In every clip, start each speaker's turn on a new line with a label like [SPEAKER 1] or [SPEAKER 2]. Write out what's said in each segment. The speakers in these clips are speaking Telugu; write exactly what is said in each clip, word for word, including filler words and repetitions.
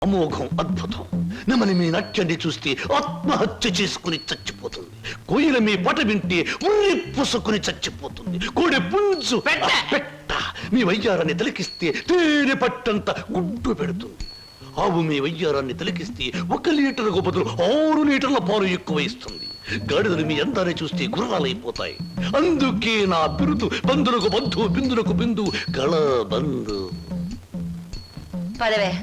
[SPEAKER 1] అమోఘం అద్భుతం. నమని మీ నాట్యాన్ని చూస్తే ఆత్మహత్య చేసుకుని చచ్చిపోతుంది. కోయిల మీ పాట వింటే ఉర్రి పుసుకుని చచ్చిపోతుంది. కోడి పుంజు పెట్ట మీ వయ్యారాన్ని తిలకిస్తే తేనె పట్టంత గుడ్డు పెడుతుంది. ఆవు మీ వయ్యారాన్ని తిలకిస్తే ఒక లీటర్కు బదులు ఆరు లీటర్ల పాలు ఎక్కువ ఇస్తుంది. గాడిదలు మీ అందాన్ని చూస్తే గుర్రాలైపోతాయి. అందుకే నా బిరుదు బంధులకు బంధు బిందులకు బిందు గళ బంధు.
[SPEAKER 2] పదవే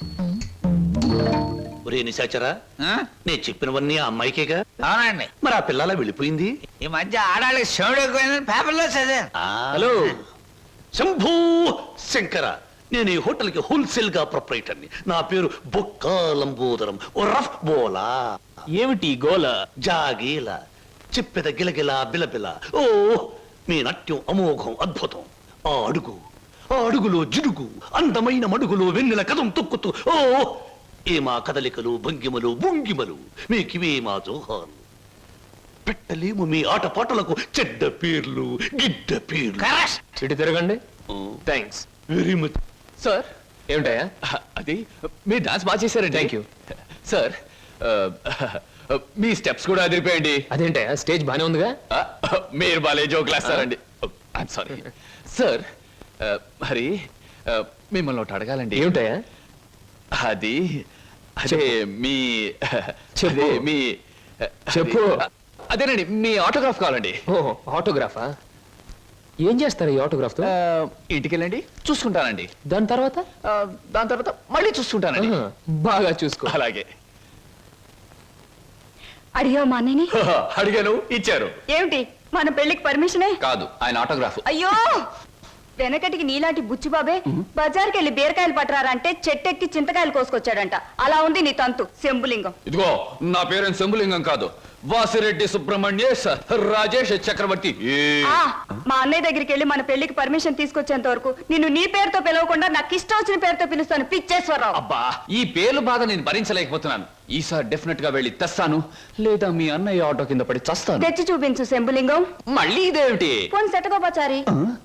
[SPEAKER 1] ఒరే నిశాచరా, నేను చెప్పినవన్నీ ఆ అమ్మాయికేగా?
[SPEAKER 3] అవునండి.
[SPEAKER 1] మరి ఆ పిల్లలా వెళ్ళిపోయింది.
[SPEAKER 3] ఈ మధ్య ఆడాళ్ళకి శివుడు ఎక్కువైందని పేపర్లో చదివాను.
[SPEAKER 1] హలో శంభూ శంకర, నేను ఈ హోటల్ కి హోల్సేల్ గా ప్రొపరేటర్ని. నా పేరు బొక్కా లంబోదరం ఓ రఫ్ బోలా.
[SPEAKER 4] ఏమిటి గోల?
[SPEAKER 1] జాగీల చెప్పెద గిలగిల బిలబిల. ఓ మీ నాట్యం అమోఘం అద్భుతం. ఆ అడుగు ఆ అడుగులో జిడుగు అందమైన మడుగులో వెన్నెల కథం తొక్కుతూ ఓ ఏ మా కదలికలు భంగిమలు భుంగిమలు మీకివే మా జోహాలు. పెట్టలేము మీ ఆటపాటలకు చెడ్డ పేర్లు గిడ్డ పేర్లు.
[SPEAKER 4] ఇటు తిరగండి. Thanks
[SPEAKER 1] very much
[SPEAKER 4] sir. ఏమిటయా అది? మీరు డాన్స్ బాగా చేశారండి. Thank you sir. మీ స్టెప్స్ కూడా అదిరిపోయండి. అదేంటయా స్టేజ్ బానే ఉందిగా? మీరు బాలే జోకులు వేస్తారండి. I'm sorry sir. మరి మిమ్మల్ని ఒకటి అడగాలండి. ఏమిటయా అది? అదే మీ చెప్పే మీ చెప్పు. అదేనండి మీ ఆటోగ్రాఫ్ కావాలండి. ఓ ఆటోగ్రాఫా? ఏం చేస్తారు ఈ ఆటోగ్రాఫ్ తో? ఇంటికి వెళ్ళండి చూసుకుంటానండి. దాని తర్వాత దాని తర్వాత మళ్ళీ చూసుకుంటానండి. బాగా చూసుకో. అలాగే.
[SPEAKER 2] అడిగా మా అన్నయ్యని?
[SPEAKER 4] అడిగాను, ఇచ్చారు.
[SPEAKER 2] ఏమిటి మన పెళ్లికి పర్మిషనే?
[SPEAKER 4] కాదు, ఆయన ఆటోగ్రాఫ్.
[SPEAKER 2] అయ్యో వెనకటికి నీలాంటి బుచ్చిబాబే బజార్కి వెళ్ళి బీరకాయలు పట్టరారంటే చెట్టెక్కి చింతకాయలు కోసుకొచ్చాడంట. అలా ఉంది నీ తంతు శంభులింగం.
[SPEAKER 4] ఇదిగో నా పేరు శంభులింగం కాదు, వాసిరెడ్డి సుబ్రహ్మణ్యేశ్ రాజేష్ చక్రవర్తి.
[SPEAKER 2] ఆ, మా అన్నయ్య దగ్గరికి వెళ్ళి మన పెళ్లికి పర్మిషన్ తీసుకొచ్చేంత వరకు నిన్ను నీ పేరుతో పిలవకుండా నాకు ఇష్టం వచ్చిన పేరుతో పిలుస్తాను పిచ్చేశ్వరరావు.
[SPEAKER 4] అబ్బా ఈ పేర్లు బాధ నేను భరించలేకపోతున్నాను. ఈసారి డెఫినెట్ గా వెళ్ళి తెస్తాను, లేదా మీ అన్నయ్య ఆటో కింద పడి చస్తాను.
[SPEAKER 2] తెచ్చి చూపించు శంభులింగం.
[SPEAKER 4] మళ్ళీ ఇదేమిటి?
[SPEAKER 2] పోని సెటకోపచారి.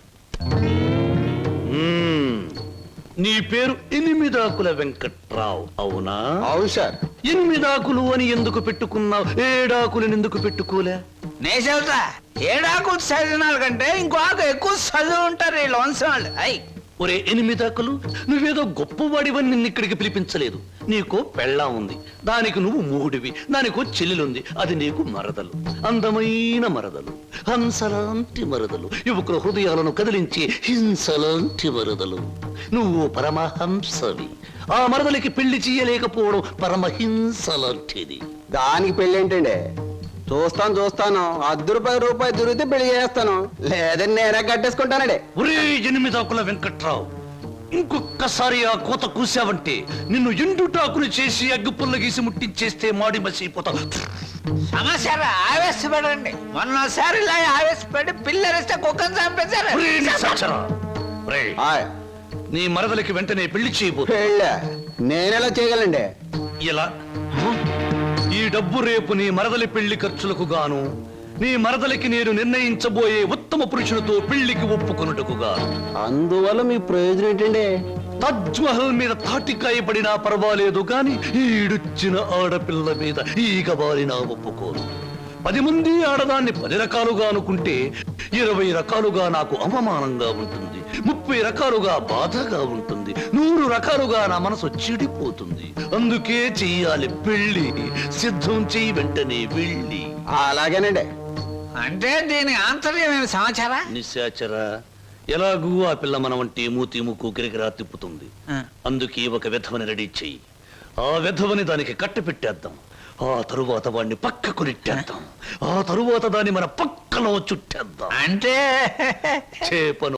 [SPEAKER 1] నీ పేరు ఎనిమిదాకుల వెంకట్రావు అవునా?
[SPEAKER 3] అవును సార్.
[SPEAKER 1] ఎనిమిదాకులు అని ఎందుకు పెట్టుకున్నావు? ఏడాకులను ఎందుకు పెట్టుకోలే?
[SPEAKER 3] నే చెబుతా, ఏడాకు చదివిన కంటే ఇంకో ఆకు ఎక్కువ చదువు ఉంటారు ఈ లోన్సం వాళ్ళు. అయ్
[SPEAKER 1] ఒరే ఎనిమిదాకులు, నువ్వేదో గొప్పవాడివని నిన్ను ఇక్కడికి పిలిపించలేదు. నీకో పెళ్ళాం ఉంది, దానికి నువ్వు మూడివి. దానికో చెల్లెలుంది, అది నీకు మరదలు. అందమైన మరదలు, హంసలాంటి మరదలు, యువకుల హృదయాలను కదిలించి హింసలాంటి మరదలు. నువ్వు పరమహంసవి. ఆ మరదలికి పెళ్లి చేయలేకపోవడం పరమహింస లాంటిది.
[SPEAKER 5] దానికి పెళ్లి ఏంటండి? చూస్తాను చూస్తాను అర్ధ రూపాయి రూపాయి దొరికితే పెళ్లి చేస్తాను, లేదని నేనే కట్టేసుకుంటానండి.
[SPEAKER 1] ఒరే ఎనిమిదాకుల వెంకట్రావు, ఇంకొక్కసారి ఆ కోత కూసావంటే నిన్ను ఎండుటాకులు చేసి అగ్గు పుల్ల గీసి ముట్టించేస్తే మాడి మసిపోతావు.
[SPEAKER 3] సమస్య ఆవేశపడండి. మొన్నసారి ఇలా ఆవేశపడి పిల్లరిస్తే కుక్కను చంపేశారు.
[SPEAKER 1] ఒరే నిశాచరా, ఒరే,
[SPEAKER 5] ఆయ్,
[SPEAKER 1] నీ మరదలికి వెంటనే పెళ్లి చేయబో.
[SPEAKER 5] పెళ్ళా? నేనెలా చేయగలండి?
[SPEAKER 1] ఎలా? ఈ డబ్బు రేపు నీ మరదలి పెళ్లి ఖర్చులకు గాను, నీ మరదలికి నేను నిర్ణయించబోయే ఉత్తమ పురుషులతో పెళ్లికి ఒప్పుకొనుటకు గాను.
[SPEAKER 5] అందువల్ల మీ ప్రయోజనం ఏంటండి?
[SPEAKER 1] తాజ్ మహల్ మీద తాటికాయ పడినా పర్వాలేదు గాని ఈడుచ్చిన ఆడపిల్ల మీద ఈగ బారినా ఒప్పుకోను. పది మంది ఆడదాన్ని పది రకాలుగా అనుకుంటే ఇరవై రకాలుగా నాకు అవమానంగా ఉంటుంది, ముప్పై రకాలుగా బాధగా ఉంటుంది, నూరు రకాలుగా నా మనసు చెడిపోతుంది. అందుకే చెయ్యాలి పెళ్లి. సిద్ధం చెయ్యి వెంటనే వెళ్ళి.
[SPEAKER 5] అలాగేనండి.
[SPEAKER 3] అంటే దీని ఆంతర్యం ఏమి సమాచారా?
[SPEAKER 1] నిశాచరా, ఎలాగూ ఆ పిల్ల మన వంటి మూతి ముక్కు గిరిగిరా తిప్పుతుంది. అందుకే ఒక విధవని రెడీ చెయ్యి. ఆ విధవని దానికి కట్ట పెట్టేద్దాం. ఆ తరువాత వాడిని పక్కకు నెట్టేద్దాం. ఆ తరువాత దాన్ని మన పక్కలో చుట్టేద్దాం.
[SPEAKER 3] అంటే
[SPEAKER 1] చేపను